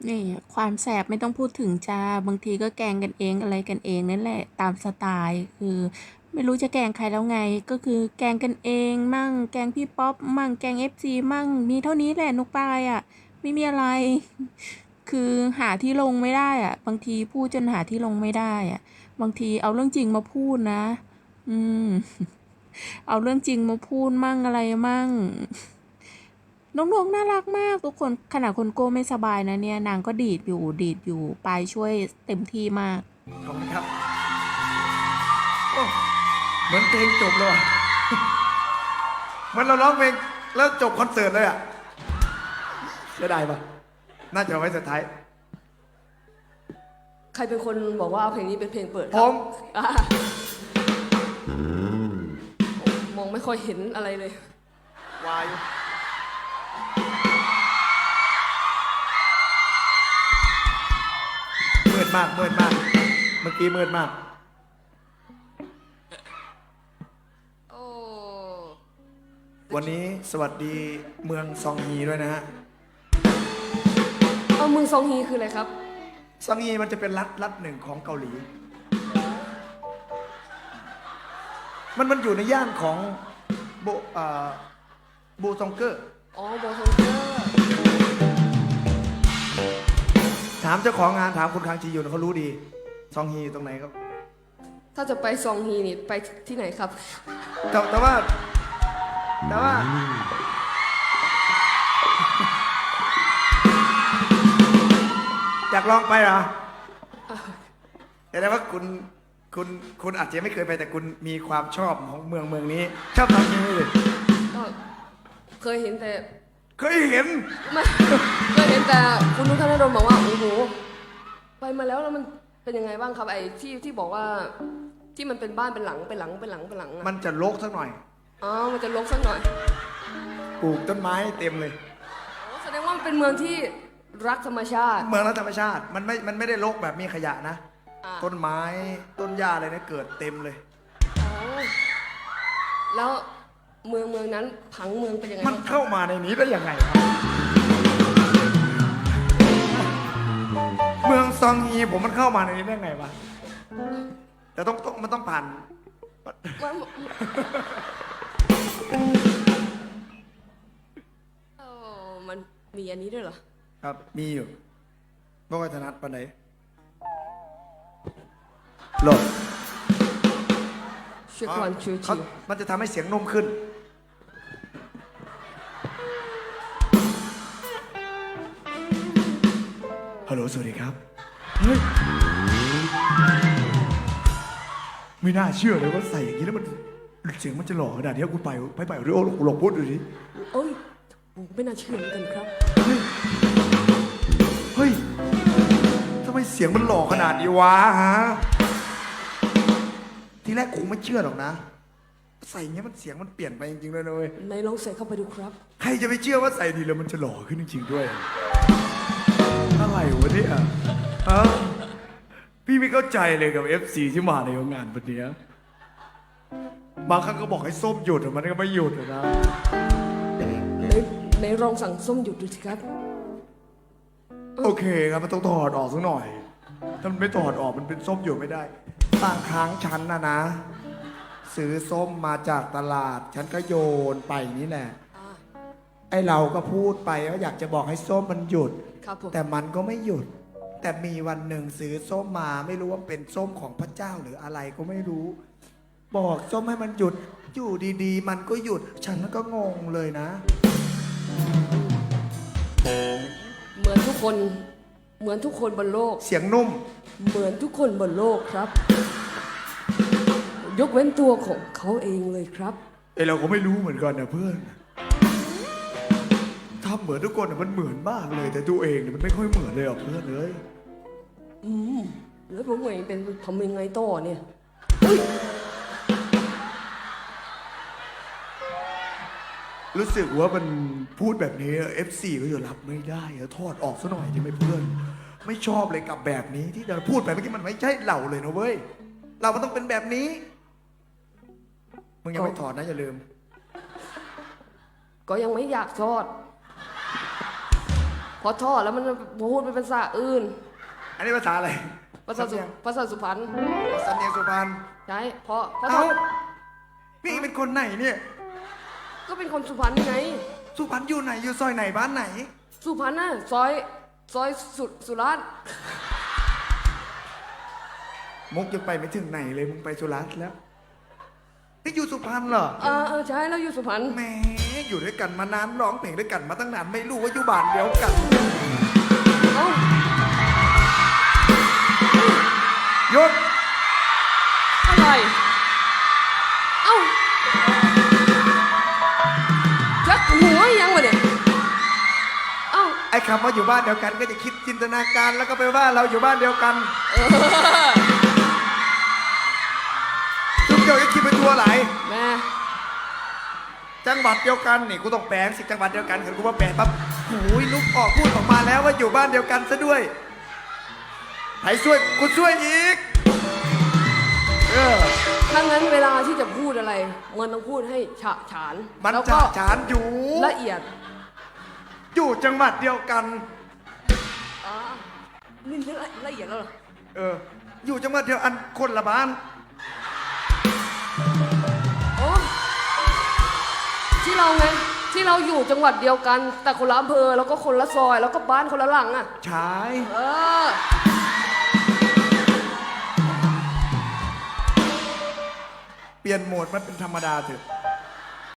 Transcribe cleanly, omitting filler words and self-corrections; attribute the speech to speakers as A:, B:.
A: นี่ความแสบไม่ต้องพูดถึงจ้าบางทีก็แกล้งกันเองอะไรกันเองนั่นแหละตามสไตล์คือไม่รู้จะแกล้งใครแล้วไงก็คือแกล้งกันเองมั่งแกล้งพี่ป๊อปมั่งแกล้งFCมั่งมีเท่านี้แหละนุกปายอ่ะไม่มีอะไรคือหาที่ลงไม่ได้อ่ะบางทีพูดจนหาที่ลงไม่ได้อ่ะบางทีเอาเรื่องจริงมาพูดนะอืมเอาเรื่องจริงมาพูดมั่งอะไรมั่ง น้องๆน่ารักมากทุกคนขนาดคนโก้ไม่สบายนะเนี่ยนางก็ดีดอยู่ปายช่วยเต็มที่มาก
B: ขอบคุณครับโอ้เหมือนเพลงจบเลยว่ะเหมือนเราร้องเพลงแล้วจบคอนเสิร์ตเลยอ่ะเสียดายปะน่าจะเอาไว้สุดท้าย
C: ใครเป็นคนบอกว่าเอาเพลงนี้เป็นเพลงเปิดค
B: ผ
C: รับ
B: ม
C: อ่ะมองไม่ค่อยเห็นอะไรเลยว
B: ายมืดมากมืดมากเมื่อกี้มืดมาก
C: โอ้
B: วันนี้สวัสดีเมืองซองฮีด้วยนะฮะ
C: เอาเมืองซองฮีคืออะไรครับ
B: ซองฮีมันจะเป็นรัฐหนึ่งของเกาหลีมันอยู่ในย่านของโบบูซองเกอร์
C: อ๋อโบซองเกอร์
B: ถามเจ้าของงานถามคุณคังจียุนเขารู้ดีซองฮีตรงไหนครับ
C: ถ้าจะไปซองฮีนี่ไปที่ไหนครับ
B: แต่ว่าอยากลองไปเหรอแต่ว่าคุณอาจจะไม่เคยไปแต่คุณมีความชอบของเมืองนี้ชอบซองฮีเลย
C: ก็เคยเห็นแต่
B: เคยเห็น
C: ไม่เคยเห็นแต่คุณนุชธนดลบอกว่าโอ้โหไปมาแล้วมันเป็นยังไงบ้างครับไอ้ที่บอกว่าที่มันเป็นบ้านเป็นหลังเป็นหลังเป็นหลังเป็นหลัง
B: มันจะรกสักหน่อย
C: อ๋อมันจะรกสักหน่อย
B: ปลูกต้นไม้เต็มเลย
C: แสดงว่ามันเป็นเมืองที่รักธรรมชาติ
B: เมืองรักธรรมชาติมันไม่ได้รกแบบมีขยะนะต้นไม้ต้นหญ้าอะไรเนี่ยเกิดเต็มเลย
C: แล้วเมืองนั้นผังเมืองเป็นยังไง
B: มันเข้ามาในนี้ได้ยังไงครับเมืองซองฮีผมมันเข้ามาในนี้ได้ไงวะแต่มันต้องผ่าน
C: มันมีอันนี้ด้วยเหรอ
B: ครับมีอยู่บ่ค่อยถนัดปานไหนหลบ
C: ช่วยก่อนช่วยจี
B: มันจะทำให้เสียงนุ่มขึ้นฮัลโหลสวัสดีครับเฮ้ยไม่น่าเชื่อเลยว่าใส่อย่างนี้แล้วมันเสียงมันจะหล่อขนาดนี้คุณไปเรีโอหลงพูดดูดิ
C: โอ้ยผมไม่น่าเชื่อเหมือนกันครับ
B: เฮ้ยทำไมเสียงมันหล่อขนาดนี้วะฮะทีแรกคงไม่เชื่อหรอกนะใส่เงี้ยมันเสียงมันเปลี่ยนไปจริงๆเลยนะเว้ย
C: ไหนลองใส่เข้าไปดูครับ
B: ใครจะไปเชื่อว่าใส่ดีแล้วมันจะหล่อขึ้นจริงๆด้วยอะไรวะเนี่ยฮะพี่ไม่เข้าใจเลยกับ FC ที่มาในงานวันนี้บางครั้งก็บอกให้ส้มหยุดแต่มันก็ไม่หยุดนะ
C: ในลองสั่งส้มหยุดดูสิครับ
B: โอเคครับมันต้องถอดออกสักหน่อยถ้ามันไม่ถอดออกมันเป็นส้มหยุดไม่ได้บางครั้งฉันนะซื้อส้มมาจากตลาดฉันก็โยนไปนี่แหละไอเราก็พูดไปว่าอยากจะบอกให้ส้มมันหยุดแต่มันก็ไม่หยุดแต่มีวันหนึ่งซื้อส้มมาไม่รู้ว่าเป็นส้มของพระเจ้าหรืออะไรก็ไม่รู้บอกส้มให้มันหยุดอยู่ดีๆมันก็หยุดฉันก็งงเลยนะ
C: เหมือนทุกคนบนโลก
B: เสียงนุ่ม
C: เหมือนทุกคนบนโลกครับยกเว้นตัวของเขาเองเลยครับ
B: เราก็ไม่รู้เหมือนกันนะเพื่อนทำเหมือนทุกคนมันเหมือนมากเลยแต่ตัวเองมันไม่ค่อยเหมือนเลยอ่ะเพื่อนเลย
C: แล้วผมเองเป็นทำยังไงต่อเนี่ย
B: รู้สึกว่ามันพูดแบบนี้ FC ก็จะรับไม่ได้ถอดออกซะหน่อยใช่ไหมเพื่อนไม่ชอบเลยกับแบบนี้ที่เราพูดไปเมื่อกี้มันไม่ใช่เราเลยนะเว้ยเรามันต้องเป็นแบบนี้มึงยังไม่ถอดนะอย่าลืม
C: ก็ยังไม่อยากถอดพอทอดแล้วมันพูดเป็นภาษาอื่น
B: อันนี้ภาษาอะไร
C: ภาษาสุพรรณ
B: สำเนียงสุพรรณ
C: ใช่พอทอ
B: เอ้า
C: ด
B: พี่เป็นคนไหนเนี่ย
C: ก็เป็นคนสุพรรณไง
B: สุพรรณอยู่ไหนอยู่ซอยไหนบ้านไหน
C: สุพรรณน่ะซอยสุราษฎร์
B: มุกยังไปไม่ถึงไหนเลยมึงไปสุราษฎร์แล้วนี่อยู่สุพรรณเหรอ
C: ใช่แล้วอยู่สุพรรณ
B: แหมอยู่ด้วยกันมานานร้องเพลงด้วยกันมาตั้งนานไม่รู้ว่าอยู่บ้านเดียวกัน
C: เอ้า
B: หยุด
C: อะไรเอ้าจักหัวยังวะเนี่ยเอ้า
B: ไอ้คำว่าอยู่บ้านเดียวกันก็จะคิดจินตนาการแล้วก็ไปว่าเราอยู่บ้านเดียวกันทุกเดียวจะคิดเป็นตัวไหล
C: แม่
B: จังหวัดเดียวกันนี่กูต้องแปลงสิจังหวัดเดียวกันคือกูว่าแปลงปั๊บโอ้ยลุกออกพูดออกมาแล้วว่าอยู่บ้านเดียวกันซะด้วยใครช่วยกูช่วยอีก
C: ถ้างั้นเวลาที่จะพูดอะไรมันต้องพูดให้ฉะฉาน
B: มัน
C: แล้ว
B: จะ
C: ก็
B: ฉานอยู่
C: ละเอียด
B: อยู่จังหวัดเดียวกัน
C: นี่ละเอียดแล้วเหรอ
B: อยู่จังหวัดเดียวอันคนละบ้าน
C: โอ้ที่เราไงที่เราอยู่จังหวัดเดียวกัน แต่คนละอำเภอแล้วก็คนละซอยแล้วก็บ้านคนละหลังอ่ะ
B: ใช่
C: เออ
B: เปลี่ยนโหมดมันเป็นธรรมดาเถอะ